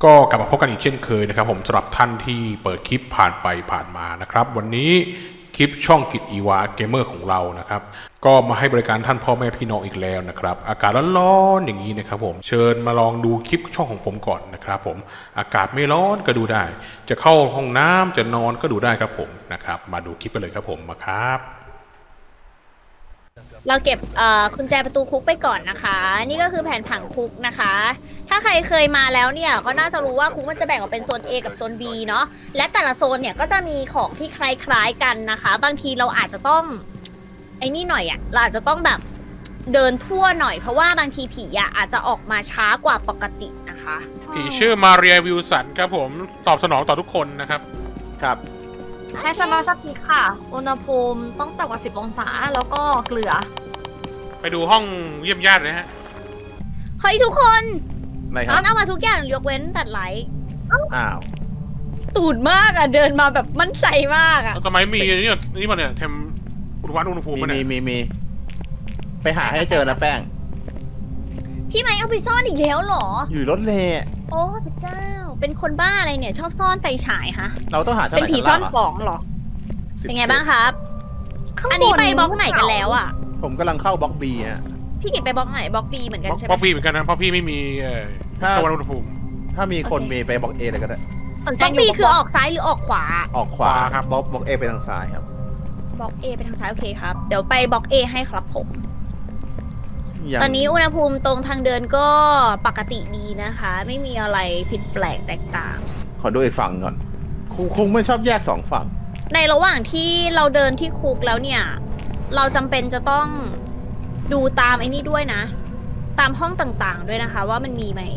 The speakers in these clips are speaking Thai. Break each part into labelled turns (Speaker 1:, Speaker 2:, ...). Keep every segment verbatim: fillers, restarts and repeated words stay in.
Speaker 1: ก็กลับมาพบกันอีกเช่นเคยนะครับผมสำหรับท่านที่เปิดคลิปผ่านไปผ่านมานะครับวันนี้คลิปช่องกิจอีวาเกมเมอร์ของเรานะครับก็มาให้บริการท่านพ่อแม่พี่น้องอีกแล้วนะครับอากาศร้อนๆอย่างนี้นะครับผมเชิญมาลองดูคลิปช่องของผมก่อนนะครับผมอากาศไม่ร้อนก็ดูได้จะเข้าห้องน้ำจะนอนก็ดูได้ครับผมนะครับมาดูคลิปไปเลยครับผมมาครับ
Speaker 2: เราเก็บกุญแจประตูคุกไปก่อนนะคะนี่ก็คือแผนผังคุกนะคะถ้าใครเคยมาแล้วเนี่ยก็น่าจะรู้ว่าคุกมันจะแบ่งออกเป็นโซน A กับโซน B เนาะและแต่ละโซนเนี่ยก็จะมีของที่คล้ายๆกันนะคะบางทีเราอาจจะต้องไอ้นี่หน่อยอะเราอาจจะต้องแบบเดินทั่วหน่อยเพราะว่าบางทีผีอะอาจจะออกมาช้ากว่าปกตินะคะ
Speaker 1: ผีชื่อมาเรียวิลสันครับผมตอบสนองต่อทุกคนนะครับ
Speaker 3: ครับ
Speaker 4: ใช้สมาร์ทสติ๊กค่ะอุณหภูมิต้องต่ำกว่าสิบองศาแล้วก็เกลือ
Speaker 1: ไปดูห้องเยี่ยมญาติเลยฮะ
Speaker 2: เฮ้ยทุกคน
Speaker 3: อะไรครั
Speaker 2: มั
Speaker 3: บ
Speaker 2: นเอามาทุกอย่างยกเว้นตัดไลท์
Speaker 3: อ้าว
Speaker 2: ตูดมากอะเดินมาแบบมั่นใจมากอะ
Speaker 1: ทำไมมีนี่นี่มันเนี่ยเทมอุณวัดอุณหภูมิ
Speaker 3: มี
Speaker 1: มัน
Speaker 3: มี
Speaker 1: เนี่ย
Speaker 3: มีมีไปหาให้เจอนะแป้ง
Speaker 2: พี่ไม้เอาไปซ่อนอีกแล้วเหรอ
Speaker 3: อยู่รถเละ
Speaker 2: โอ้พระเจ้าเป็นคนบ้าอะไรเนี่ยชอบซ่อนไฟฉายฮะ
Speaker 3: เราต้องหาชั้น
Speaker 2: เป็น
Speaker 3: ไหน
Speaker 2: ผี
Speaker 3: ชั้น
Speaker 2: ซ่อน
Speaker 3: ล่าง
Speaker 2: ของเหรอเป็นไงบ้างครับอันนี้ไปบล็อกไหนกันแล้วอ่ะ
Speaker 3: ผมกำลังเข้าบล็อกบีฮะ
Speaker 2: พี่กิตไปบล็อกไหนบล็อกบีเหมือนกันใช่ไหม
Speaker 1: บล็อกบีเหมือนกันนะเพราะพี่ไม่มีเอ่อ
Speaker 3: ถ้า
Speaker 1: วัดอุณหภูมิ
Speaker 3: ถ้ามีคนเมย์ไปบล็อกเอเลยก็ได้
Speaker 4: สนใจ
Speaker 2: บล็อก
Speaker 4: อยู่
Speaker 2: บี
Speaker 4: กับ
Speaker 2: คือออกซ้ายหรือออกขวา
Speaker 3: ออกขวาครับบล็อกบล็อกเอไปทางซ้ายครับ
Speaker 2: บล็อก A ไปทางซ้ายโอเคครับเดี๋ยวไปบล็อก A ให้ครับผม
Speaker 3: ยัง
Speaker 2: ตอนนี้อุณหภูมิตรงทางเดินก็ปกติดีนะคะ ไม่มีอะไรผิดแปลกแตกต่าง
Speaker 3: ขอดูอีกฝั่งก่อนคงคงไม่ชอบแยกสองฝั่ง
Speaker 2: ในระหว่างที่เราเดินที่คุกแล้วเนี่ย เราจำเป็นจะต้องดูตามไอ้นี่ด้วยนะ ตามห้องต่างๆด้วยนะคะ ว่ามันมีไหม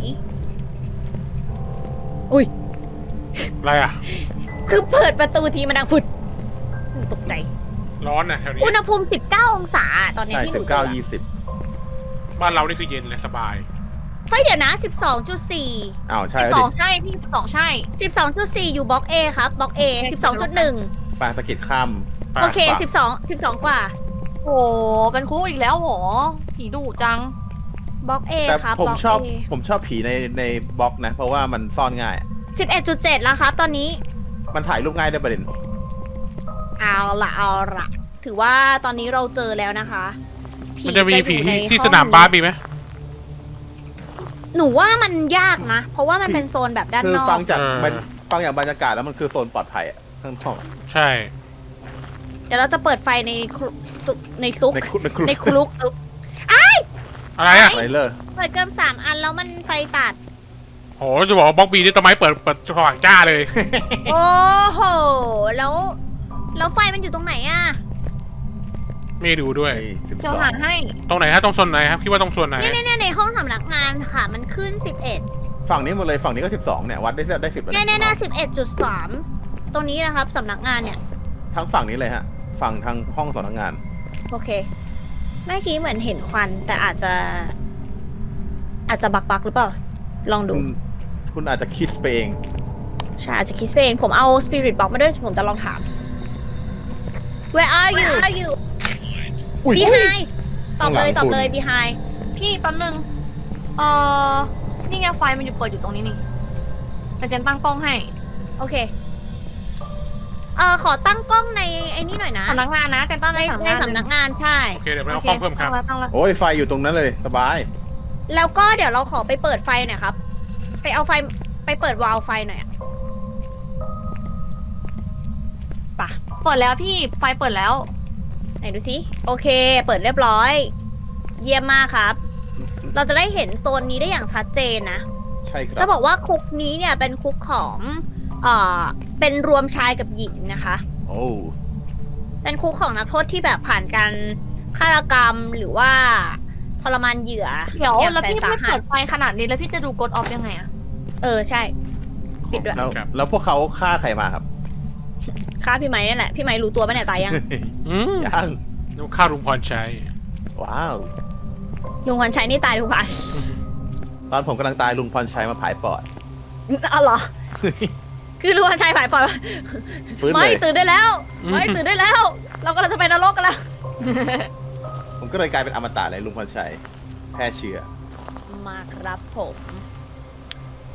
Speaker 2: อุ้ย
Speaker 1: อะไรอ่ะ
Speaker 2: คือเปิดประตูทีมันดังฝุดตกใจ
Speaker 1: ร้อนนะแถวนี้
Speaker 2: อุณหภูมิสิบเก้าองศาตอนนี้
Speaker 3: ใช่
Speaker 2: ที่ห
Speaker 3: สิ
Speaker 2: นู
Speaker 3: บ
Speaker 2: เจ
Speaker 3: เก้า
Speaker 2: อ
Speaker 3: ยี่สิบ
Speaker 1: บ้านเรานี่คือเย็นและสบาย
Speaker 2: เฮ้ยเดี๋ยวนะ สิบสองจุดสี่
Speaker 3: อ้าวใช่
Speaker 4: สิบ
Speaker 3: แล้ว
Speaker 4: ส
Speaker 3: ดิ
Speaker 4: องใช่พี่สิบสองใช่
Speaker 2: สิบสองจุดสี่อยู่บล็อก A ครับบล็อก A สิบสองจุดหนึ่ง
Speaker 3: ปางตะกิดข้าม
Speaker 2: โอเค
Speaker 3: ฝั่ง
Speaker 2: สิบสองสิบสองกว่า
Speaker 4: โหเป็นคุกอีกแล้วเหรอผีดุจัง
Speaker 2: บล็อก A
Speaker 3: แต่
Speaker 2: ครับ
Speaker 3: ผม
Speaker 2: บล็อก
Speaker 3: ชอบ
Speaker 2: A
Speaker 3: ผมชอบผีในในบล็อกนะ เพราะว่ามันซ่อนง่าย
Speaker 2: สิบเอ็ดจุดเจ็ดแล้วครับตอนนี้
Speaker 3: มันถ่ายรูปง่ายได้วยประเด็น
Speaker 2: เอาละเอาละถือว่าตอนนี้เราเจอแล้วนะคะ
Speaker 1: มันจะมีผี
Speaker 2: อยู่ใน
Speaker 1: ที่
Speaker 2: ห้อง
Speaker 1: สนามบาสมีไหม
Speaker 2: หนูว่ามันยากนะ เพราะว่ามันเป็นโซนแบบด้าน
Speaker 3: คือน
Speaker 2: อก
Speaker 3: ฟังจากบรรฟังจากบรรยากาศแล้วมันคือโซนปลอดภัยอะทั้งห้อง
Speaker 1: ใช่
Speaker 2: เดี๋ยวเราจะเปิดไฟในครุในซุก
Speaker 3: ในคุกในคุก
Speaker 2: ในคลุก
Speaker 1: อะไรอ่ะ
Speaker 3: ไรเลอร์
Speaker 2: เปิดเกินสามอันแล้วมันไฟตัด
Speaker 1: โหจะบอกว่าบล็อกบีนี่ต้นไม้เปิดเปิดสว่างจ้าเลย
Speaker 2: โอ้โห แล้วแล้วไฟมันอยู่ตรงไหนอะ
Speaker 1: ไม่ดูด้วย
Speaker 3: สิบ
Speaker 4: เดี๋
Speaker 3: ส
Speaker 4: ยว
Speaker 3: อง
Speaker 4: หาให้
Speaker 1: ตรงไหนฮะตรงโซนไหนครับคิดว่าตรงโซนไหน
Speaker 2: เนี่ยเนี่ยในห้องสำนักงานค่ะ มันขึ้นสิบเอ็ด
Speaker 3: ฝั่งนี้หมดเลยฝั่งนี้ก็สิบสองเนี่ยวัดได้ได้สิบ
Speaker 2: เนี่ยเนี่ยเนี่ยสิบเอ็ดจุดสามตรงนี้นะครับสำนักงานเนี่ย
Speaker 3: ทั้งฝั่งนี้เลยฮะฝั่งทางห้องสำนักงาน
Speaker 2: โอเคเมื่อกี้เหมือนเห็นควันแต่อาจจะ อาจจะบักบักๆหรือเปล่า ลองดู
Speaker 3: คุณคุณอาจจะคิดไปเอง
Speaker 2: ใช่อาจจะคิดไปเองผมเอา Spirit Box มาด้วยผมจะลองถาม Where are you are you
Speaker 3: อุ้ย
Speaker 2: Behind ตอบเลย
Speaker 3: ข้างหลัง
Speaker 2: ตอบเลย
Speaker 3: คุณ
Speaker 2: Behind
Speaker 4: พี่แป๊บนึงเอ่อนี่ไงไฟมันอยู่เปิดอยู่ตรงนี้นี่แต่เจนตั้งกล้องให้
Speaker 2: โอเค เออขอตั้งกล้องในไอ้นี่หน่อยนะ
Speaker 4: สำนักงานนะเจนตั้ง
Speaker 2: ใน
Speaker 4: ใน
Speaker 2: ใน
Speaker 4: สำนักงาน
Speaker 2: สำนักงานใช่
Speaker 1: โอเคเดี๋ยวไป
Speaker 4: โอ
Speaker 1: เอา
Speaker 4: เค
Speaker 1: กล้องเพิ่มครับ
Speaker 4: ตั้งแล้วตั้งแล้ว
Speaker 3: โอ้ยไฟอยู่ตรงนั้นเลยสบาย
Speaker 2: แล้วก็เดี๋ยวเราขอไปเปิดไฟหน่อยครับ ไปเอาไฟไปเปิดวาล์วไฟหน่อยอะป่ะ
Speaker 4: เปิดแล้วพี่ไฟเปิดแล้ว
Speaker 2: ไหนดูสิโอเค เปิดเรียบร้อย เยี่ยมมากครับ เราจะได้เห็นโซนนี้ได้อย่างชัดเจนนะ
Speaker 3: ใช่ครั
Speaker 2: จะ
Speaker 3: บ
Speaker 2: บอกว่าคุกนี้เนี่ยเป็นคุกของเอ่อเป็นรวมชายกับหญิงนะคะ
Speaker 3: โอ้
Speaker 2: เป็นคุกของนักโทษที่แบบผ่านการฆาตกรรมหรือว่าทรมานเหยื่อ
Speaker 4: เดี๋ยว
Speaker 2: อย่าง
Speaker 4: แล้ว
Speaker 2: แสน
Speaker 4: พี่
Speaker 2: สา
Speaker 4: ไม่
Speaker 2: หั
Speaker 4: เปิ
Speaker 2: ส
Speaker 4: ดไฟขนาดนี้แล้วพี่จะดูกดออฟยังไงอะ
Speaker 2: เออใช่ ปิดด้วย
Speaker 3: แล้ว
Speaker 1: ครับ
Speaker 3: แล้วพวกเขาฆ่าใครมาครับ
Speaker 2: ฆ่าพี่ไม้นี่แหละพี่ไม้รู้ตัวปะเนี่ยตายยัง
Speaker 1: อืม
Speaker 3: ยัง
Speaker 1: นึกข้าวลุงพรชัย
Speaker 3: ว้าว
Speaker 2: ลุงพรชัยนี่ตายทุกวัน
Speaker 3: ตอนผมกำลังตายลุงพรชัยมาผายปอด
Speaker 2: อ๋อเหรอ คือลุงพรชัยฝ่ายปล่อย
Speaker 3: ฟื้น
Speaker 2: ไม่
Speaker 3: เลย
Speaker 2: ตื่นได้แล้ว ไม่ตื่นได้แล้ว เรากำลังจะไปนรกกันแล้ว
Speaker 3: ผมก็เลยกลายเป็นอมตะเลยลุงพรชัยแพร่เชื้อ
Speaker 2: มาครับผม
Speaker 3: ผ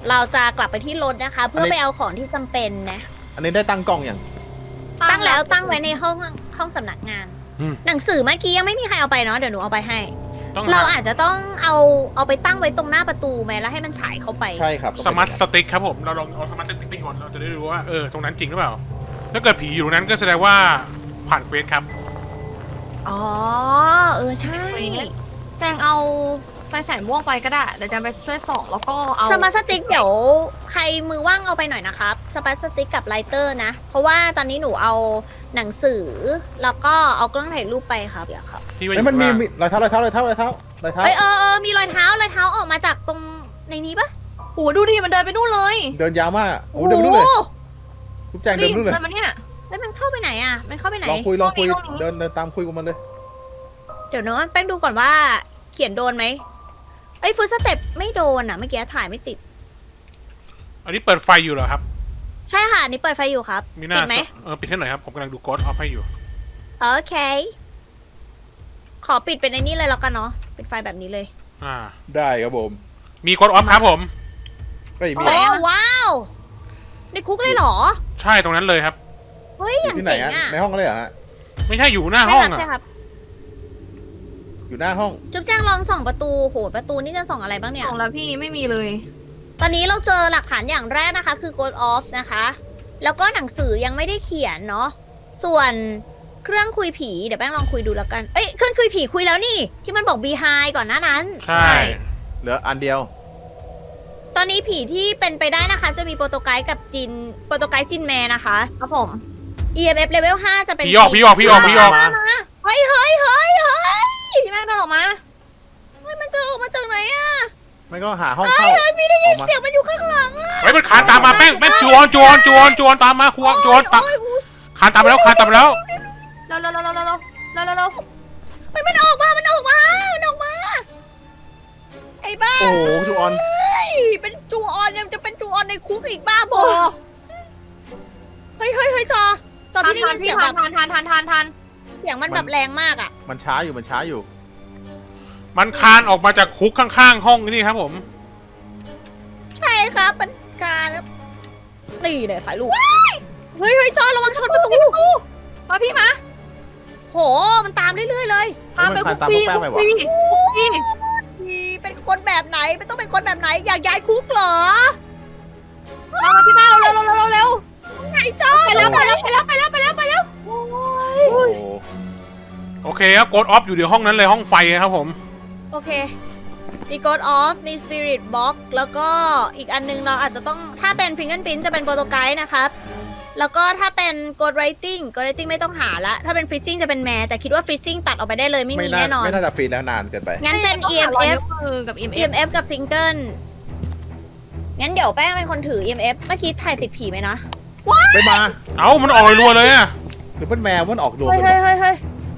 Speaker 2: เราจะกลับไปที่รถนะคะ เพื่อไปเอาของที่จำเป็นนะ
Speaker 3: อันนี้ได้ตั้งกล้องอย่าง
Speaker 2: ตั้งแล้วตั้งไว้ในห้องห้องสำนักงาน
Speaker 1: อืม
Speaker 2: หนังสือเมื่อกี้ยังไม่มีใครเอาไปเนาะเดี๋ยวหนูเอาไปให้
Speaker 1: ต้อง
Speaker 2: เรา
Speaker 1: หา
Speaker 2: อาจจะต้องเอาเอาไปตั้งไว้ตรงหน้าประตูไหมแล้วให้มันฉายเข้าไป
Speaker 3: ใช่ครับ
Speaker 1: สมาร์ทสติ๊กครับผมเราลองเอาสมาร์ทสติ๊กไปโยนเราจะได้รู้ว่าเออตรงนั้นจริงหรือเปล่าถ้าเกิดผีอยู่ตรงนั้นก็แสดงว่าผ่านเควสครับ
Speaker 2: อ๋อเออใช่
Speaker 4: แจงเอาไฟฉายม่วงไปก็ได้เดี๋ยวแจงไปช่วยส่องแล้วก็เอา
Speaker 2: สมาร์ทสติ๊กเดี๋ยวใครมือว่างเอาไปหน่อยนะครับสมาร์ทสติ๊กกับไลเตอร์นะ เพราะว่าตอนนี้หนูเอาหนังสือแล้วก็เอากล้องถ่ายรูปไปครับเดี๋ยวครับ
Speaker 1: ที่ว่าอ
Speaker 3: เฮ้ย
Speaker 1: ยู่
Speaker 3: มันมี
Speaker 1: ข้าง
Speaker 3: มี
Speaker 1: ล่าง
Speaker 3: รอยเท้ารอยเท้ารอยเท้ารอยเท้ารอยเท้า
Speaker 2: เฮ้ยเออเออมีรอยเท้ารอยเท้าออกมาจากตรงในนี้ปะ
Speaker 4: โอ้ดูดิมันเดินไปนู่นเลย
Speaker 3: เดินยาวมากโอ้โหเดินไปนู่นเลยทุกแจง
Speaker 4: ดิ
Speaker 3: เดินไปนู่นเลย
Speaker 4: เดินมาเนี่ย
Speaker 2: แล้วมันเข้าไปไหนอ่ะมันเข้าไปไหน
Speaker 3: ลองคุยลองคุย
Speaker 4: ห้องนี้
Speaker 3: เดินเดินตามคุยกับมันเลย
Speaker 2: เดี๋ยวนะแป้งดูก่อนว่าเขียนโดนไหมไอ้ฟูสเต็ปไม่โดนอ่ะเมื่อกี้ถ่ายไม่ติด
Speaker 1: อันนี้เปิดไฟอยู่เหรอครับ
Speaker 2: ใช่ค่ะอันนี่เปิดไฟอยู่ครับ
Speaker 1: มีหน้า
Speaker 2: ติดไหม
Speaker 1: เออปิดให้หน่อยครับผมกำลังดูโกดออฟให้อยู่
Speaker 2: โอเค ขอปิดเป็นในนี้เลยแล้วกันเนาะปิดไฟแบบนี้เลย
Speaker 1: อ่า
Speaker 3: ได้ครับผม
Speaker 1: มีโกดออฟครับผม
Speaker 3: ก็มี
Speaker 2: โอ้ว้าวในคุกเลยเหรอ
Speaker 1: ใช่ตรงนั้นเลยครับ
Speaker 2: เฮ้ยอย่าง
Speaker 3: ที่ไหน
Speaker 2: เจ๋ง
Speaker 3: ฮะ
Speaker 2: อ่ะ
Speaker 3: ในห้องเลยเหรอฮะ
Speaker 1: ไม่ใช่อยู่หน้า
Speaker 2: ใช่
Speaker 1: ห้อง
Speaker 2: ครับ
Speaker 1: อ่ะ
Speaker 2: ใช่ครับ
Speaker 3: อยู่หน้าห้อง
Speaker 2: จุ๊บแจ้งลองส่องประตูโหประตูนี่จะส่องอะไรบ้างเนี่ย
Speaker 4: ส่องแล้วพี่ไม่มีเลย
Speaker 2: ตอนนี้เราเจอหลักฐานอย่างแรกนะคะ คือ Code Off นะคะ แล้วก็หนังสือยังไม่ได้เขียนเนาะส่วนเครื่องคุยผีเดี๋ยวแป้งลองคุยดูแล้วกันเอ้ยเครื่องคุยผีคุยแล้วนี่ ที่มันบอก Behind ก่อนหน้านั้น
Speaker 1: ใช่
Speaker 3: เหลืออันเดียว
Speaker 2: ตอนนี้ผีที่เป็นไปได้นะคะ จะมีโปรโตไกด์กับจินโปรโตไกด์จินแมนนะคะ
Speaker 4: ครับผม
Speaker 2: อี เอ็ม เอฟ level ห้าจะเป็น
Speaker 1: พี่ออกพี่ออกพี่ออกพี่ออก
Speaker 3: มา
Speaker 2: เฮ้ยเฮ้ยเฮ้ยเฮ้ย
Speaker 4: พี่แม่เดินออกมา
Speaker 2: เฮ้ยมันจะออกมาจากไหนอะ
Speaker 3: ไม่ก็หาห้องเข้า
Speaker 2: เฮ้ยไม่ได้ยิน
Speaker 3: ออกมา
Speaker 2: เสียงมันอยู่ข้างหลังอะ
Speaker 1: เฮ้ยมันคานตามมาแป้งแป้งจวนจวนจวนจวนตามมาครัวจวนตาม
Speaker 2: โอ้ยโอ้ย
Speaker 1: คานตามไปแล้วคานตามไปแล้ว
Speaker 4: เร็วเร็วเร็วเร็วเร็วเร็วเร็วเร็วเร็ว
Speaker 2: เฮ้ยมันออกมา มันออกมา มันออกมา ไอ้บ้า
Speaker 3: โอ้โหจูออน
Speaker 2: เฮ้ยเป็นจูออนยังจะเป็นจูออนในคุกอีกบ้าบอเฮ้ยเฮ้ยเฮ้ยจอจอ
Speaker 4: ทัน
Speaker 2: พี่ได้
Speaker 4: ทั
Speaker 2: ยิ
Speaker 4: น
Speaker 2: น
Speaker 4: พี่
Speaker 2: เสียง
Speaker 4: ทั
Speaker 2: แบ
Speaker 4: น
Speaker 2: บ
Speaker 4: ทันทันทันทันทัน
Speaker 2: เสียงมันแบบแรงมากอ่ะ
Speaker 3: มันช้าอยู่มันช้าอยู่
Speaker 1: มันคานออกมาจากคุกข้างๆห้องนี่ครับผม
Speaker 2: ใช่ครับมันการนี่เลยถ่ายรูปเฮ้ยเฮ้ยจอระวังชนประตู
Speaker 4: มาพี่มา
Speaker 2: โห มันตามเรื่อยๆเลย
Speaker 4: พาไป
Speaker 3: มัน
Speaker 4: คุ
Speaker 3: คาน
Speaker 4: ก
Speaker 3: ตาม
Speaker 4: พี่
Speaker 3: พวกแป้งไป
Speaker 4: คุก
Speaker 3: วะ
Speaker 4: พี่คุกพี่
Speaker 2: เป็นคนแบบไหนมันต้องเป็นคนแบบไหน อยากย้ายคุกเหรอ
Speaker 4: มามาพี่มาเร็วเร็วเร็วเร็วเร็ว
Speaker 2: ไหนจอ
Speaker 4: ไปแล้วไปแล้วไปแล้วไปแล้วไปแล้วไปแล้ว
Speaker 2: โอ้ย
Speaker 3: โอ้โห
Speaker 1: โอเคครับโกดออฟอยู่ในห้องนั้นเลยห้องไฟครับผม
Speaker 2: โอเค มี Code Off มี Spirit Box แล้วก็อีกอันนึงเราอาจจะต้อง ถ้าเป็น Fingerprint จะเป็นโปรโตไกด์นะครับ แล้วก็ถ้าเป็น Code Writing Code Writing ไม่ต้องหาละ ถ้าเป็น Freezing จะเป็นแมแต่คิดว่า Freezing ตัดออกไปได้เลยไม่มี
Speaker 3: ไม่น่า
Speaker 2: แน่นอน
Speaker 3: ไม่น่าจะฟรีแล้วนานเกินไป
Speaker 2: งั้นเป็น
Speaker 4: ต้ง
Speaker 2: อี
Speaker 4: หา
Speaker 2: เอ็ม
Speaker 4: รอย
Speaker 2: เอฟ
Speaker 4: นิ้วมือกับ อี เอ็ม เอ
Speaker 2: อี
Speaker 4: ฟ
Speaker 2: เอ็มเอฟกับ Finger งั้นเดี๋ยวแป้งเป็นคนถือ อี เอ็ม เอฟ เมื่อกี้ถ่ายติดผีไหมนะ
Speaker 3: ไม่มา
Speaker 1: เอ้ามันออกรัวๆเลยอะ
Speaker 3: หรือเป็นแมวมันออกดวง
Speaker 2: เฮ้ย
Speaker 3: กัน
Speaker 2: เฮ้
Speaker 3: หม
Speaker 2: ย
Speaker 3: ด
Speaker 2: เฮ้ยเฮ้ย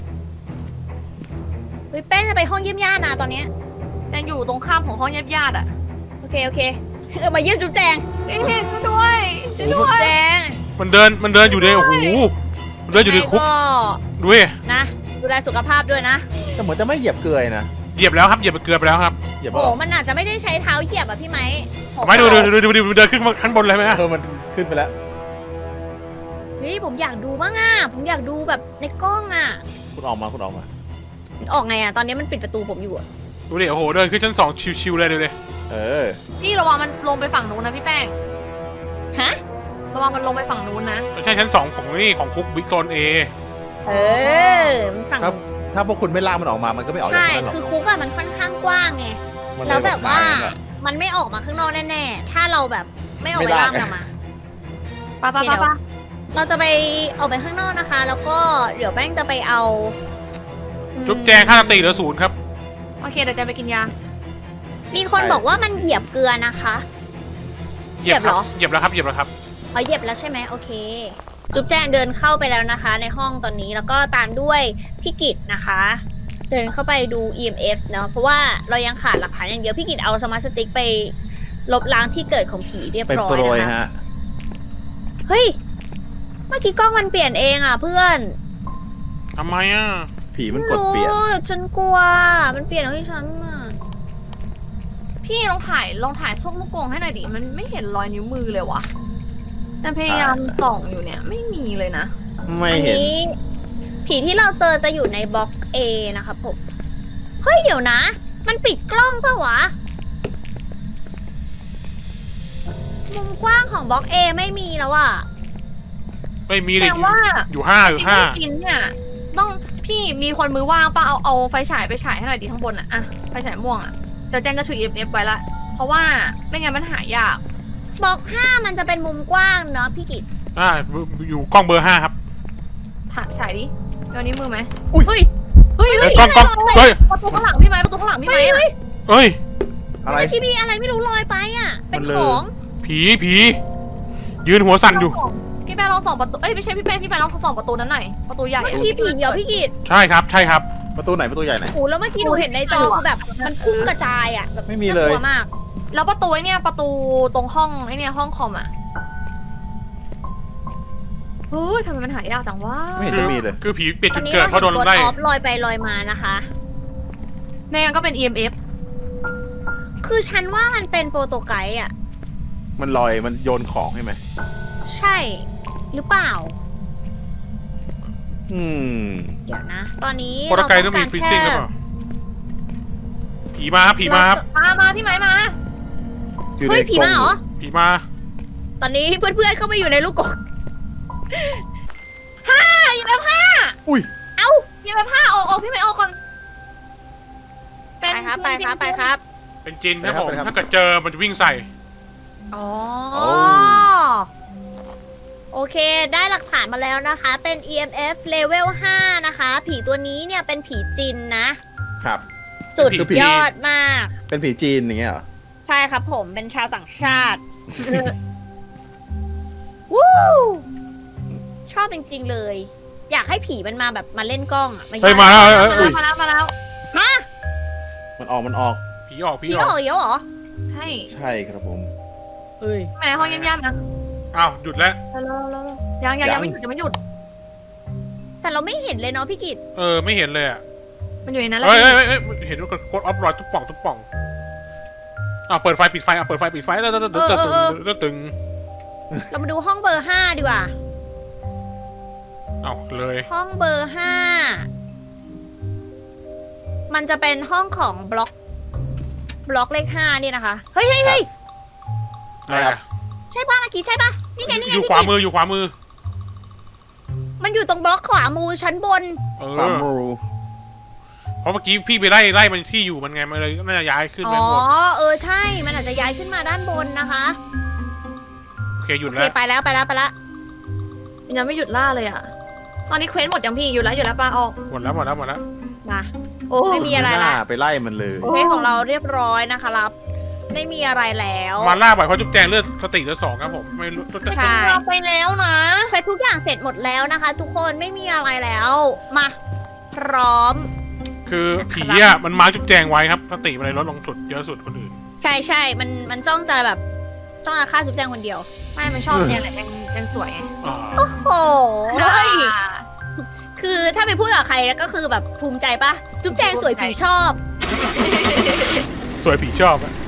Speaker 2: เฮ้ยแป้งจะไปห้องเยี่ยมญาตินะตอนเนี้ย
Speaker 4: แจงอยู่ตรงข้ามของห้องญาติญาติอ่ะ
Speaker 2: โอเค โอเค เออมาเยี่ยมจุ๊บแจง
Speaker 4: เอ้ยช่วยด้วยช่วยด้วย
Speaker 2: แจง
Speaker 1: มันเดินมันเดินอยู่ในโอ้โหมันเดินอยู่ในคุก
Speaker 2: ก็
Speaker 1: ดูดิ
Speaker 2: นะ ดูแลสุขภาพด้วยนะ
Speaker 3: แต่เหมือนจะไม่เหยียบเกลือนะ
Speaker 1: เหยียบแล้วครับเหยียบไปเกลือไปแล้วครับ
Speaker 3: เหยียบ
Speaker 2: โอ้
Speaker 3: เป
Speaker 2: โห
Speaker 3: ล่า
Speaker 2: มันอาจจะไม่ได้ใช้เท้าเหยียบอ่ะพี่ไหมโห
Speaker 1: ไม่ดูดูดูดูดูดูเดินขึ้นมาขั้นบนเลยไหมฮะ
Speaker 3: เออมันขึ้นไปแล้ว
Speaker 2: เฮ้ยผมอยากดูบ้างอ่ะ ผมอยากดูแบบในกล้องอ่ะ
Speaker 3: คุณออกมาคุณออกมา
Speaker 2: มันออกไงอ่ะ ตอนนี้มันปิดประตูผมอยู่อ่ะ
Speaker 1: ดูดิโอ้โหเดินขึ้นชั้นสองชิวๆเลยดูดิ
Speaker 3: เออ
Speaker 4: พี่ระวังมันลงไปฝั่งนู้นนะพี่แป้ง
Speaker 2: ฮะ
Speaker 4: ระวังมันลงไปฝั่งนู้นนะ
Speaker 1: ไม่ใช่ชั้นสองของนี่ของคุกบิ๊กโซนเอ
Speaker 2: เออมันฝั่ง
Speaker 3: ครับ ถ้าพวกคุณไม่ลากมันออกมา มันก็ไม่ออกจาก
Speaker 2: ใช่
Speaker 3: นั้นหรอก
Speaker 2: คือคุกอะมันค่อนข้างกว้างไง
Speaker 3: มันเย
Speaker 2: แล้วแบบว่า
Speaker 3: หยอะ
Speaker 2: มันไม่ออกมาข้างนอกแน่ๆ ถ้าเราแบบไม่ออก
Speaker 3: ไม่
Speaker 2: ไป
Speaker 3: ได้
Speaker 2: ล่ามมันออกมา
Speaker 4: ไปะปะ
Speaker 2: โอเค
Speaker 4: ปะปะ
Speaker 2: เราจะไปออกไปข้างนอกนะคะ แล้วก็เดี๋ยวแป้งจะไปเอาอืม
Speaker 1: จุ๊บแจงค่าสติเหลือศูนย์ครับ
Speaker 4: โอเคเดี๋ยวแจงไปกินยา
Speaker 2: มีคนบอกว่ามันเหยียบเกลือนะคะ
Speaker 1: เหยียบ
Speaker 2: เหยียบเหรอ
Speaker 1: เหยียบแล้วครับเหยียบแล้วครับ
Speaker 2: อ๋อเหยียบแล้วใช่ไหมโอเค จุ๊บแจงเดินเข้าไปแล้วนะคะ ในห้องตอนนี้แล้วก็ตามด้วยพี่กิตนะคะ เดินเข้าไปดู อี เอ็ม เอฟ เนาะเพราะว่าเรายังขาดหลักฐานอย่างเดียวพี่กิตเอาสมาร์ทสติ๊กไปลบล้างที่เกิดของผีเรียบ
Speaker 3: เป็น
Speaker 2: ร้อ
Speaker 3: โป
Speaker 2: ย
Speaker 3: รย
Speaker 2: นะคะ
Speaker 3: ฮะ
Speaker 2: เฮ้ยเมื่อกี้กล้องมันเปลี่ยนเองอ่ะเพื่อน
Speaker 1: ทำไมอ่ะ
Speaker 3: ผีมันกดเปลี่ยน
Speaker 2: โอ้ฉันกลัวมันเปลี่ยนของที่ฉันอ่ะ
Speaker 4: พี่ลองถ่ายลองถ่ายช่วงลูกกรงให้หน่อยดิมันไม่เห็นรอยนิ้วมือเลยวะแต่พยายามส่องอยู่เนี่ยไม่มีเลยนะ
Speaker 3: ไม่
Speaker 2: อัน
Speaker 3: เห็น
Speaker 2: นี้ผีที่เราเจอจะอยู่ในบล็อก A นะครับผม เฮ้ยเดี๋ยวนะ มันปิดกล้องปะวะ มุมกว้างของบล็อก A ไม่มีแล้วอะ
Speaker 1: ไม่มีเลย
Speaker 4: แต่ว่า
Speaker 1: อยู่ห้าอยู่
Speaker 4: ที่
Speaker 1: ห้า
Speaker 4: ไม่กินเนี่ยต้องพี่มีคนมือว่างป่ะเอาเอาไฟฉายไปฉายให้หน่อยดิข้างบนอะอะไฟฉายม่วงอะเดี๋ยวเจนจะถือ อี เอ็ม เอฟ ไว้ละ เพราะว่าไม่งั้นมันหายาก
Speaker 2: บล็อกห้ามันจะเป็นมุมกว้างเนาะพี่กิต
Speaker 1: อ่าอยู่กล้องเบอร์ห้าครับ
Speaker 4: ถ่ายฉายดิเดี๋ยวนี้วมือไหม
Speaker 2: เฮ้ย
Speaker 4: เฮ้ย
Speaker 1: เอ้
Speaker 4: เฮ้
Speaker 1: ย
Speaker 4: ย
Speaker 1: กล้องกล้องเฮ้ย
Speaker 4: ประตูข้างหลังพี่ไหมประตูข้างหลังพี่ไหม
Speaker 2: เฮ้ยเฮ้ย
Speaker 1: เอ้ย
Speaker 3: อะไร
Speaker 2: ที่มีอะไรไม่รู้ลอยไปอะเป็น
Speaker 3: มันเล
Speaker 2: ข
Speaker 3: ย
Speaker 2: อง
Speaker 1: ผีผียืนหัวสั่นอยู่
Speaker 4: พี่แป้งลองส่องประตูเอ้ยไม่ใช่พี่แป้งพี่แป้งลองส่องประตูนั้นหน่อยประตูใหญ่
Speaker 2: เมื่อ
Speaker 4: อะ
Speaker 2: กี้ผีเดียวพี่กิต
Speaker 1: ใช่ครับใช่ครับ
Speaker 3: ประตูไหนประตูใหญ่ไหน
Speaker 2: โอ้แล้วเมื่อกี้หนูเห็นในจอคือแบบมันพุ่งกระจายอะแบบ
Speaker 3: ไม่มีเลย
Speaker 2: น่ากลัวมาก
Speaker 4: แล้วประตูไอ้เนี่ยประตูตรงห้องไอ้เนี่ยห้องคอมอะเฮ้ยทำไมมันหายากจังวะ
Speaker 3: ไม่เห็น
Speaker 1: คื
Speaker 3: จะมีเลย
Speaker 1: คือผีเปลี่ยน
Speaker 2: ตอ
Speaker 1: จุ
Speaker 2: น
Speaker 1: ด
Speaker 2: นี้
Speaker 1: เกิด
Speaker 2: เรา
Speaker 1: เพราะโด
Speaker 2: เห็น
Speaker 1: น
Speaker 2: ตัว
Speaker 1: ไล่
Speaker 2: ท็อปลอยไปลอยมานะคะ
Speaker 4: ไม่งั้นก็เป็น อี เอ็ม เอฟ
Speaker 2: คือฉันว่ามันเป็นโปรโตไกด์อะ
Speaker 3: มันลอยมันโยนของใช่ไหม
Speaker 2: ใช่หรือเปล่า
Speaker 3: อืม
Speaker 2: เดี๋ยวนะ ตอนนี้
Speaker 1: โปรโตไกด์
Speaker 2: เรา
Speaker 1: ต้องมี
Speaker 2: าร
Speaker 1: ฟรีซิ่งหรือเปล่า
Speaker 2: แ
Speaker 1: ผีมาครับผีมาครับ
Speaker 4: มามาพี่ไหมมา
Speaker 3: อยู่
Speaker 2: เฮ้ย
Speaker 3: ใน
Speaker 2: ผี
Speaker 3: กรง
Speaker 2: มาเหรอ
Speaker 1: ผีมา
Speaker 2: ตอนนี้เพื่อนๆเข้าไปอยู่ในลูกกรง
Speaker 4: ห้าอีเอ็มห้า
Speaker 3: อุ้ย
Speaker 2: เอ้า
Speaker 4: อีเอ็มห้าออกออกพี่ไหมออกก่อน
Speaker 2: ไปครับไปครับไปครับ
Speaker 1: เป็นจินครับผมถ้าเกิดเจอมันจะวิ่งใส่
Speaker 2: อ๋อ
Speaker 3: โอ้
Speaker 2: โอเค ได้หลักฐานมาแล้วนะคะ เป็น อี เอ็ม เอฟ level ห้านะคะ ผีตัวนี้เนี่ยเป็นผีจินนะ
Speaker 3: ครับ
Speaker 2: สุด
Speaker 1: เป็นผี
Speaker 2: ยอดมาก
Speaker 3: เป็นผีจีนอย่างเงี้ยเหรอ
Speaker 2: ใช่ครับผมเป็นชาวต่างชาติ วู้ชอบจริงๆเลย อยากให้ผีมันมาแบบมาเล่นกล้องอะ
Speaker 1: เฮ้ยมาแล้วเอ้ยเอ้ย
Speaker 4: มาแล้วมาแล้ว
Speaker 2: ฮะ
Speaker 3: มันออกมันออก
Speaker 1: ผีออกผี
Speaker 2: ผี
Speaker 1: อ
Speaker 2: อ
Speaker 1: อ
Speaker 2: อก กเยอะเหรอ
Speaker 4: ใช่
Speaker 3: ใช่ครับผม
Speaker 2: เฮ้ย
Speaker 4: พี่ไหมห้องเยี่ยมๆนะ
Speaker 1: อ้าวหยุดแล้ว
Speaker 4: เร็วเร็วเร็วเร็วยังยังยังไม่หยุดยังไม่หยุด
Speaker 2: แต่เราไม่เห็นเลยเนาะพี่กิต
Speaker 1: เออไม่เห็นเลยอ่ะ
Speaker 4: มันอยู่ในนั้นแหละ
Speaker 1: เฮ้ย
Speaker 4: พี่
Speaker 1: เฮ้ยเฮ้ยเฮ้ยเห็นว่ากดออฟรอยทุกป่องทุกป่องอ้าวเปิดไฟปิดไฟอ่ะเปิดไฟปิดไฟแล้วตึ๊ดตึ๊ดตึ๊ดตึ๊ดตึง
Speaker 2: เรามาดูห้องเบอร์ห้าดีกว่า
Speaker 1: อ้าวเลย
Speaker 2: ห้องเบอร์ห้า มันจะเป็นห้องของบล็อก บล็อกเลขห้านี่นะคะ เฮ้ยเฮ้ยเฮ้ย
Speaker 1: อะไรอ่ะ
Speaker 2: ใช่ปะเมื่อกี้ใช่ปะนี่ไงนี่ไง
Speaker 1: อยู่
Speaker 2: พี่
Speaker 1: ขวา
Speaker 2: กิต
Speaker 1: มืออยู่ขวามือ
Speaker 2: มันอยู่ตรงบล็อกขวามือชั้นบน
Speaker 1: เอ
Speaker 3: ฟาร์ม
Speaker 1: อ
Speaker 3: รู
Speaker 1: เพราะเมื่อกี้พี่ไปไล่ไล่มันที่อยู่มันไงมันเลยน่าจะย้ายขึ้น
Speaker 2: อ๋
Speaker 1: ไป
Speaker 2: อ
Speaker 1: หมด
Speaker 2: เออใช่ มันอาจจะย้ายขึ้นมาด้านบนนะคะ
Speaker 1: โอเคหยุ
Speaker 2: โอ
Speaker 1: ด
Speaker 2: เค
Speaker 1: แล้ว
Speaker 2: ไปแล้วไปแล้วไปแล้ว
Speaker 4: มันยังไม่หยุดล่าเลยอ่ะ ตอนนี้เควสหมดยังพี่อยู่แล้วอยู่แล้วปลาออก
Speaker 1: หมดแล้วหมดแล้วหมดแล้ว
Speaker 2: มา
Speaker 4: โอ้
Speaker 2: ไม่มีอะไร
Speaker 3: ห
Speaker 2: ละ
Speaker 3: น้าไปไล่มันเลย
Speaker 2: เควสของเราเรียบร้อยนะคะรับ ไม่มีอะไรแล้ว
Speaker 1: มาล่าบ่อยเพราะจุ๊บแจงเลือดสติเหลือสองครับผมไม่รู้จะ
Speaker 2: ใช่
Speaker 4: เราไปแล้วนะ
Speaker 2: เควสทุกอย่างเสร็จหมดแล้วนะคะ ทุกคนไม่มีอะไรแล้ว มา พร้อม
Speaker 1: คือผีอ่ะมันมาร์คจุ๊บแจงไว้ครับสติมันเลยลดลงสุดเยอะสุดคนอื่น
Speaker 2: ใช่ใช่มันมันจ้องจะแบบ จ้องจะฆ่าจุ๊บแจงคนเดียว
Speaker 4: ไม่มันชอบแจงแหละแจงแจงสวยไง
Speaker 1: อ่า
Speaker 2: โอ้โหคือถ้าไปพูดกับใครแล้วก็คือแบบภูมิใจปะจุ๊บแจงสวยผีชอบ
Speaker 1: สวยผีชอบอะ